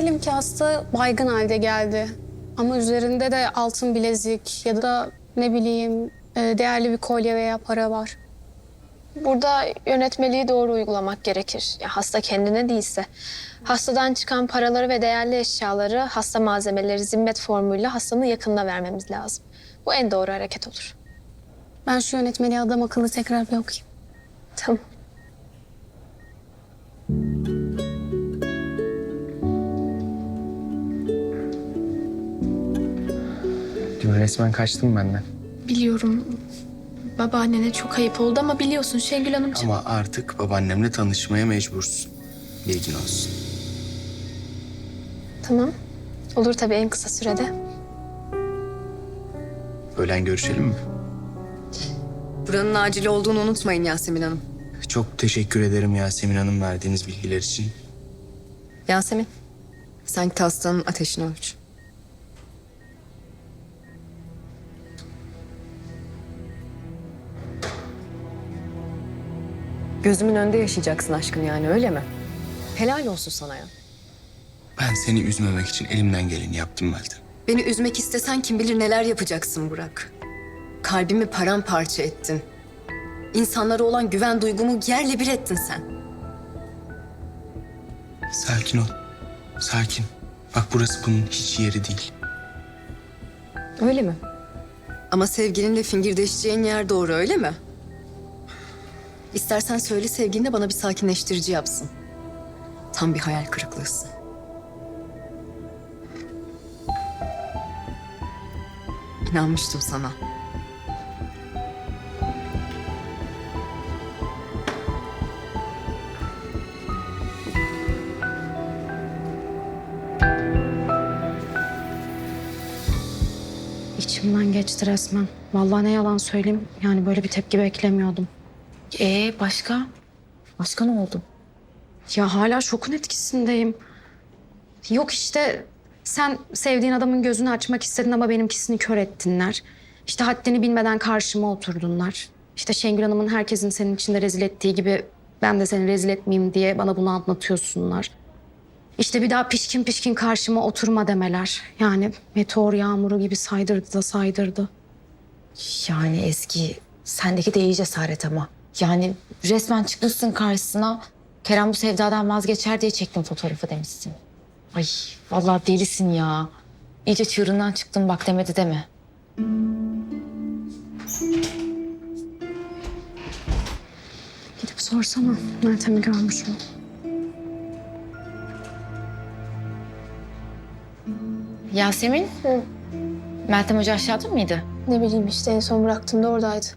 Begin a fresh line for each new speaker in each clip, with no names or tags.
Diyelim ki hasta baygın halde geldi. Ama üzerinde de altın bilezik ya da ne bileyim değerli bir kolye veya para var.
Burada yönetmeliği doğru uygulamak gerekir. Ya hasta kendine değilse. Hastadan çıkan paraları ve değerli eşyaları, hasta malzemeleri zimmet formuyla hastanın yakınına vermemiz lazım. Bu en doğru hareket olur.
Ben şu yönetmeliği adam akıllı tekrar bir okuyayım.
Tamam.
Dün resmen kaçtın benden.
Biliyorum. Babaannene çok ayıp oldu ama biliyorsun Şengül Hanımcığım.
Ama artık babaannemle tanışmaya mecbursun. Bilgin olsun.
Tamam. Olur tabii en kısa sürede.
Öğlen görüşelim mi?
Buranın acil olduğunu unutmayın Yasemin Hanım.
Çok teşekkür ederim Yasemin Hanım verdiğiniz bilgiler için.
Yasemin, sen git hastanın ateşini ölç. Gözümün önünde yaşayacaksın aşkım yani öyle mi? Helal olsun sana ya.
Ben seni üzmemek için elimden geleni yaptım Meltem.
Beni üzmek istesen kim bilir neler yapacaksın Burak. Kalbimi paramparça ettin. İnsanlara olan güven duygumu yerle bir ettin sen.
Sakin ol. Sakin. Bak burası bunun hiç yeri değil.
Öyle mi? Ama sevgilinle fingirdeşeceğin yer doğru öyle mi? İstersen söyle sevgiline bana bir sakinleştirici yapsın. Tam bir hayal kırıklığısın. İnanmıştım sana.
İçimden geçti resmen. Vallahi ne yalan söyleyeyim. Yani böyle bir tepki beklemiyordum.
Başka? Başka ne oldu?
Ya hala şokun etkisindeyim. Yok işte sen sevdiğin adamın gözünü açmak istedin ama benimkisini kör ettinler. İşte haddini bilmeden karşıma oturdunlar. İşte Şengül Hanım'ın herkesin senin içinde rezil ettiği gibi ben de seni rezil etmeyeyim diye bana bunu anlatıyorsunlar. İşte bir daha pişkin pişkin karşıma oturma demeler. Yani meteor yağmuru gibi saydırdı da saydırdı.
Yani Ezgi, sendeki de iyi cesaret ama. Yani resmen çıkmışsın karşısına. Kerem bu sevdadan vazgeçer diye çektim fotoğrafı demişsin. Ay vallahi delisin ya. İyice çığırından çıktın bak demedi deme.
Gidip sorsana Meltem'i görmüş mü?
Yasemin? Meltem Hoca aşağıda mıydı?
Ne bileyim işte en son bıraktığımda oradaydı.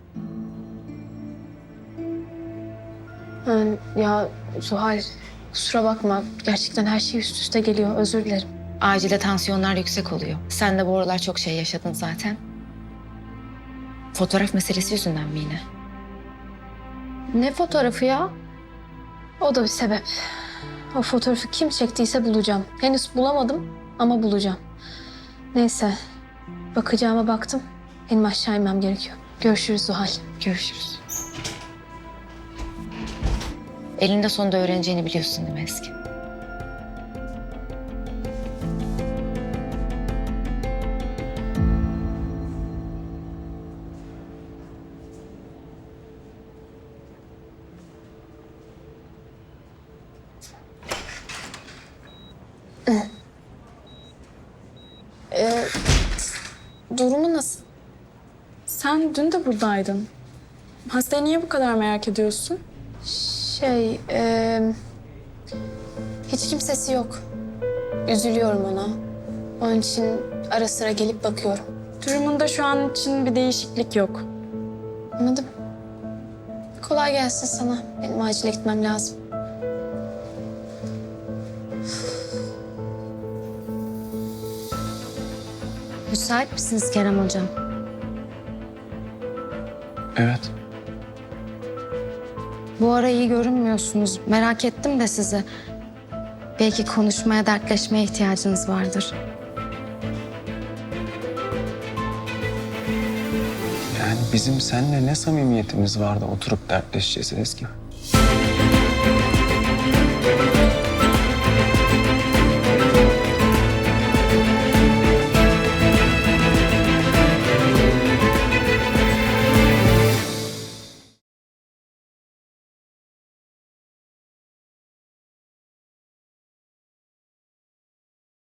Ya Zuhal kusura bakma. Gerçekten her şey üst üste geliyor. Özür dilerim.
Acilde tansiyonlar yüksek oluyor. Sen de bu aralar çok şey yaşadın zaten. Fotoğraf meselesi yüzünden mi yine?
Ne fotoğrafı ya? O da bir sebep. O fotoğrafı kim çektiyse bulacağım. Henüz bulamadım ama bulacağım. Neyse. Bakacağıma baktım. Benim aşağı inmem gerekiyor. Görüşürüz Zuhal.
Görüşürüz. Elinde sonunda öğreneceğini biliyorsun değil mi Ezgi?
Durumu nasıl?
Sen dün de buradaydın. Hastayı niye bu kadar merak ediyorsun?
Hiç kimsesi yok. Üzülüyorum ona. Onun için ara sıra gelip bakıyorum.
Durumunda şu an için bir değişiklik yok.
Anladım. Kolay gelsin sana. Benim acile gitmem lazım.
Müsait misiniz Kerem Hocam?
Evet.
Bu ara iyi görünmüyorsunuz. Merak ettim de sizi. Belki konuşmaya, dertleşmeye ihtiyacınız vardır.
Yani bizim seninle ne samimiyetimiz vardı oturup dertleşeceğiz Ezgi?